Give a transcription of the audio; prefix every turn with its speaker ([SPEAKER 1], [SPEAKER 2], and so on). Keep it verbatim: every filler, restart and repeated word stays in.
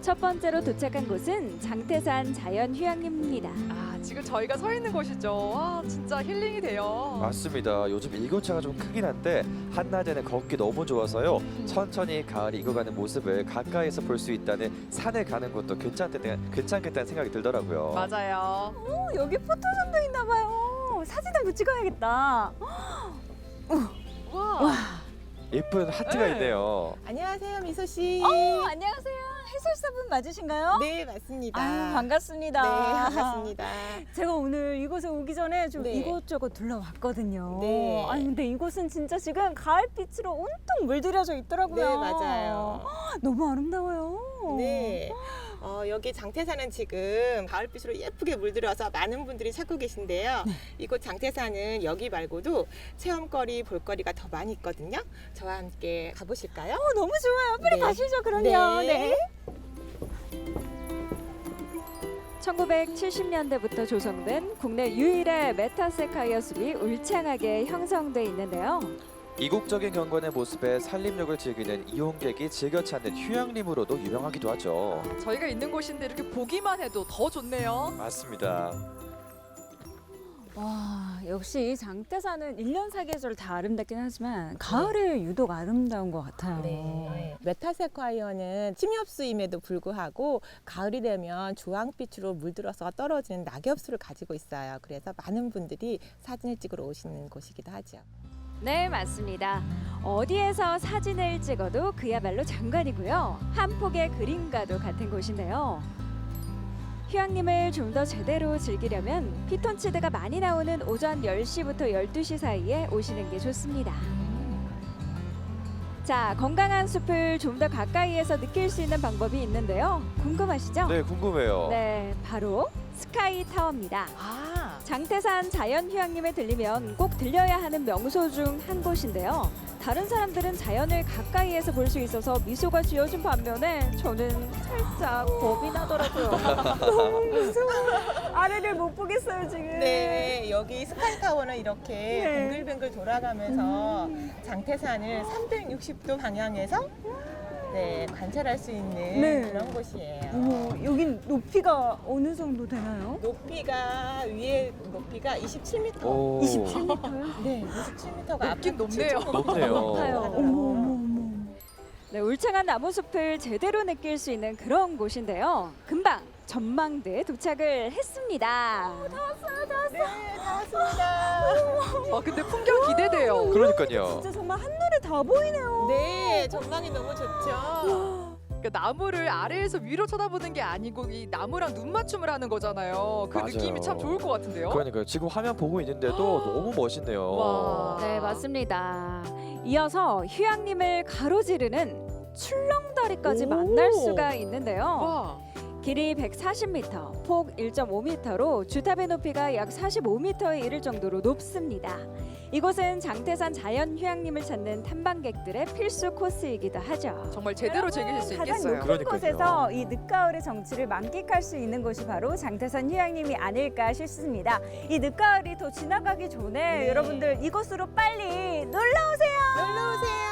[SPEAKER 1] 첫 번째로 도착한 곳은 장태산 자연휴양림입니다.
[SPEAKER 2] 아, 지금 저희가 서 있는 곳이죠. 와, 진짜 힐링이 돼요.
[SPEAKER 3] 맞습니다. 요즘 일교차가 좀 크긴 한데 한낮에는 걷기 너무 좋아서요. 천천히 가을이 익어가는 모습을 가까이서 볼 수 있다는 산을 가는 것도 괜찮겠다는, 괜찮겠다는 생각이 들더라고요.
[SPEAKER 2] 맞아요.
[SPEAKER 1] 어, 여기 포토존도 있나 봐요. 사진 한번 찍어야겠다.
[SPEAKER 2] 와.
[SPEAKER 1] 와.
[SPEAKER 3] 예쁜 하트가
[SPEAKER 2] 네.
[SPEAKER 3] 있네요.
[SPEAKER 4] 안녕하세요, 미소 씨.
[SPEAKER 1] 어, 안녕하세요. 해설사분 맞으신가요?
[SPEAKER 4] 네, 맞습니다.
[SPEAKER 1] 아유, 반갑습니다.
[SPEAKER 4] 네, 반갑습니다.
[SPEAKER 1] 제가 오늘 이곳에 오기 전에 좀
[SPEAKER 4] 네.
[SPEAKER 1] 이곳저곳 둘러왔거든요.
[SPEAKER 4] 네.
[SPEAKER 1] 아니 근데 이곳은 진짜 지금 가을빛으로 온통 물들여져 있더라고요.
[SPEAKER 4] 네, 맞아요.
[SPEAKER 1] 너무 아름다워요.
[SPEAKER 4] 네. 어, 여기 장태산은 지금 가을빛으로 예쁘게 물들어서 많은 분들이 찾고 계신데요.
[SPEAKER 1] 네.
[SPEAKER 4] 이곳 장태산은 여기 말고도 체험거리, 볼거리가 더 많이 있거든요. 저와 함께 가보실까요?
[SPEAKER 1] 어, 너무 좋아요. 빨리
[SPEAKER 4] 네.
[SPEAKER 1] 가시죠, 그럼요.
[SPEAKER 4] 네.
[SPEAKER 1] 천구백칠십 년대부터 조성된 국내 유일의 메타세카이어 숲이 울창하게 형성돼 있는데요.
[SPEAKER 3] 이국적인 경관의 모습에 산림욕을 즐기는 이용객이 즐겨 찾는 휴양림으로도 유명하기도 하죠.
[SPEAKER 2] 저희가 있는 곳인데 이렇게 보기만 해도 더 좋네요.
[SPEAKER 3] 맞습니다.
[SPEAKER 1] 와, 역시 장태산은 일 년 사계절 다 아름답긴 하지만 가을에 유독 아름다운 것 같아요.
[SPEAKER 4] 네. 메타세콰이어는 침엽수임에도 불구하고 가을이 되면 주황빛으로 물들어서 떨어지는 낙엽수를 가지고 있어요. 그래서 많은 분들이 사진을 찍으러 오시는 곳이기도 하죠.
[SPEAKER 1] 네, 맞습니다. 어디에서 사진을 찍어도 그야말로 장관이고요. 한 폭의 그림과도 같은 곳인데요. 휴양림을 좀 더 제대로 즐기려면 피톤치드가 많이 나오는 오전 열 시부터 열두 시 사이에 오시는 게 좋습니다. 자, 건강한 숲을 좀 더 가까이에서 느낄 수 있는 방법이 있는데요. 궁금하시죠?
[SPEAKER 3] 네, 궁금해요.
[SPEAKER 1] 네, 바로 스카이 타워입니다.
[SPEAKER 2] 아,
[SPEAKER 1] 장태산 자연휴양림에 들리면 꼭 들려야 하는 명소 중 한 곳인데요. 다른 사람들은 자연을 가까이에서 볼 수 있어서 미소가 지어진 반면에 저는 살짝 겁이 나더라고요. 너무 무서워. 아래를 못 보겠어요 지금.
[SPEAKER 4] 네, 여기 스카이타워는 이렇게
[SPEAKER 1] 네.
[SPEAKER 4] 뱅글뱅글 돌아가면서 장태산을 삼백육십 도 방향에서 네, 관찰할 수 있는
[SPEAKER 1] 네.
[SPEAKER 4] 그런 곳이에요.
[SPEAKER 1] 어머, 여긴 높이가 어느 정도 되나요?
[SPEAKER 4] 높이가 위에 높이가 이십칠 미터.
[SPEAKER 3] 오.
[SPEAKER 1] 이십칠 미터요?
[SPEAKER 4] 네, 이십칠 미터가
[SPEAKER 2] 높긴 높네요.
[SPEAKER 3] 높네요.
[SPEAKER 1] 높아요. 어머, 어머, 어머. 네, 울창한 나무숲을 제대로 느낄 수 있는 그런 곳인데요. 금방 전망대에 도착을 했습니다.
[SPEAKER 4] 네, 다 왔습니다.
[SPEAKER 2] 와, 근데 풍경 기대돼요.
[SPEAKER 3] 그러니까요.
[SPEAKER 1] 진짜 정말 한눈에 다 보이네요.
[SPEAKER 4] 네, 전망이 너무 좋죠.
[SPEAKER 2] 그러니까 나무를 아래에서 위로 쳐다보는 게 아니고 이 나무랑 눈 맞춤을 하는 거잖아요. 그
[SPEAKER 3] 맞아요.
[SPEAKER 2] 느낌이 참 좋을 것 같은데요.
[SPEAKER 3] 그러니까요. 지금 화면 보고 있는데도 너무 멋있네요.
[SPEAKER 2] 와.
[SPEAKER 1] 네, 맞습니다. 이어서 휴양림을 가로지르는 출렁다리까지
[SPEAKER 2] 오.
[SPEAKER 1] 만날 수가 있는데요.
[SPEAKER 2] 와,
[SPEAKER 1] 길이 백사십 미터, 폭 일 점 오 미터로 주탑의 높이가 약 사십오 미터에 이를 정도로 높습니다. 이곳은 장태산 자연휴양림을 찾는 탐방객들의 필수 코스이기도 하죠.
[SPEAKER 2] 정말 제대로 즐기실 수
[SPEAKER 1] 가장
[SPEAKER 2] 있겠어요.
[SPEAKER 1] 높은
[SPEAKER 3] 그러니까요.
[SPEAKER 1] 곳에서 이 늦가을의 정취를 만끽할 수 있는 곳이 바로 장태산 휴양림이 아닐까 싶습니다. 이 늦가을이 더 지나가기 전에
[SPEAKER 4] 네.
[SPEAKER 1] 여러분들 이곳으로 빨리 놀러 오세요.
[SPEAKER 4] 놀러 오세요.